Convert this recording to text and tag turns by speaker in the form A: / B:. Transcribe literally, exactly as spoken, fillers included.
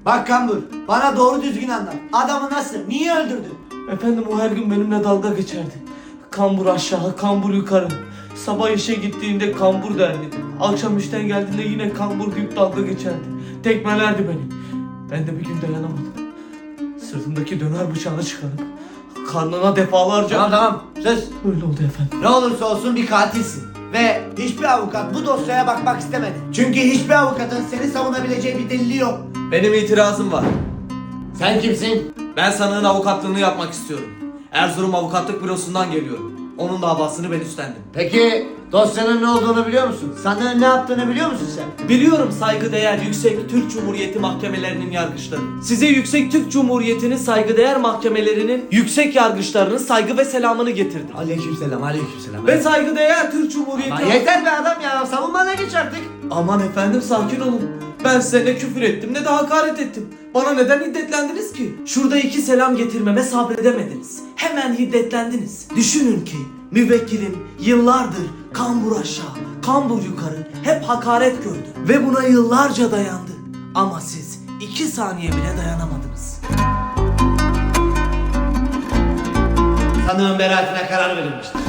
A: Bak Kambur, bana doğru düzgün anlat. Adamı nasıl, niye öldürdün?
B: Efendim o her gün benimle dalga geçerdi. Kambur aşağı, kambur yukarı. Sabah işe gittiğinde kambur derdi. Akşam işten geldiğinde yine kambur deyip dalga geçerdi. Tekmelerdi beni. Ben de bir gün dayanamadım. Sırtımdaki döner bıçağını çıkarıp karnına defalarca...
A: Tamam tamam, sus.
B: Öyle oldu efendim.
A: Ne olursa olsun bir katilsin. Ve hiçbir avukat bu dosyaya bakmak istemedi. Çünkü hiçbir avukatın seni savunabileceği bir delili yok.
C: Benim itirazım var.
A: Sen kimsin?
C: Ben sanığın avukatlığını yapmak istiyorum. Erzurum Avukatlık Bürosu'ndan geliyorum. Onun davasını ben üstlendim.
A: Peki dosyanın ne olduğunu biliyor musun? Sanığın ne yaptığını biliyor musun sen?
C: Biliyorum saygıdeğer Yüksek Türk Cumhuriyeti mahkemelerinin yargıçları. Size Yüksek Türk Cumhuriyeti'nin saygıdeğer mahkemelerinin yüksek yargıçlarının saygı ve selamını getirdim.
A: Aleykümselam, aleykümselam.
C: Ve saygıdeğer Türk Cumhuriyeti...
A: Lan yeter be adam ya, savunmana geç artık.
C: Aman efendim sakin olun. Ben size ne küfür ettim ne de hakaret ettim. Bana neden hiddetlendiniz ki? Şurada iki selam getirmeme sabredemediniz. Hemen hiddetlendiniz. Düşünün ki müvekkilim yıllardır kambur aşağı, kambur yukarı hep hakaret gördü. Ve buna yıllarca dayandı. Ama siz iki saniye bile dayanamadınız.
A: Sanığın beraatine karar verilmiştir.